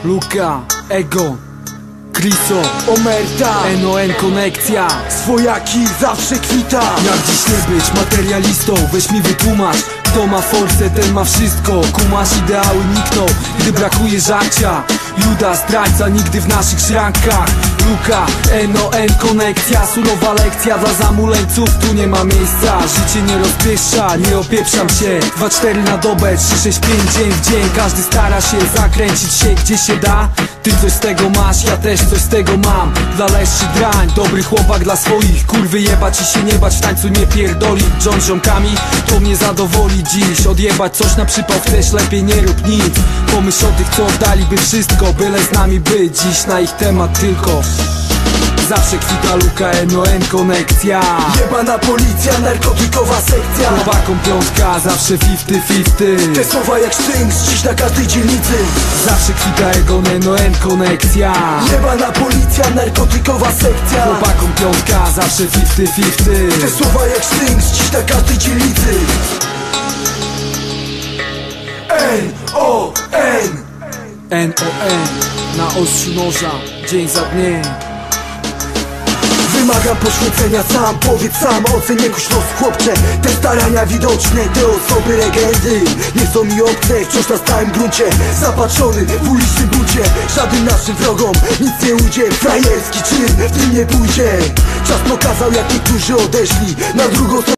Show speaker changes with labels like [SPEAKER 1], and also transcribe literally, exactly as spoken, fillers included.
[SPEAKER 1] Luka, Ego, Kriso,
[SPEAKER 2] Omerta,
[SPEAKER 1] N O N konekcja.
[SPEAKER 2] swojaki zawsze kwita.
[SPEAKER 1] Jak dziś nie być materialistą? Weź mi wytłumacz. Kto ma forsę, ten ma wszystko. Kumasz, ideały nikną, gdy brakuje żarcia. Juda, zdrajca, nigdy w naszych szrankach. Luka, N O N konekcja. Surowa lekcja dla zamuleńców, tu nie ma miejsca. Życie nie rozpieszcza, nie opieprzam się. Dwa cztery na dobę, trzy sześć pięć dzień w dzień. Każdy stara się zakręcić się gdzie się da. Ty coś z tego masz, ja też coś z tego mam. Dla leszczy drań, dobry chłopak dla swoich. Kurwy jebać i się nie bać, w tańcu nie pierdoli. John z ziomkami, to mnie zadowoli dziś. Odjebać coś na przypał chcesz, lepiej nie rób nic. Pomyśl o tych, co oddaliby wszystko, byle z nami być. Dziś na ich temat tylko zawsze kwita Luka, N O N konekcja.
[SPEAKER 2] Jebana policja, narkotykowa sekcja.
[SPEAKER 1] Chłopakom piątka, zawsze fifty fifty.
[SPEAKER 2] Te słowa jak sztynk, dziś na każdej dzielnicy.
[SPEAKER 1] Zawsze kwita Egon, N O N konekcja.
[SPEAKER 2] Jebana policja, narkotykowa sekcja.
[SPEAKER 1] Chłopakom piątka, zawsze fifty fifty.
[SPEAKER 2] Te słowa jak sztynk, dziś na każdej dzielnicy. N O N
[SPEAKER 1] N O N na ostrzu noża, dzień za dniem.
[SPEAKER 2] Wymagam poświęcenia sam, powiedz sam, ocenię kuś los chłopcze. Te starania widoczne, te osoby legendy nie są mi obce, wciąż na stałym gruncie. Zapatrzony w ulicznym bucie, żadnym naszym wrogom nic nie ujdzie. Frajerski czyn w tym nie pójdzie. Czas pokazał jak niektórzy odeszli na drugą stronę.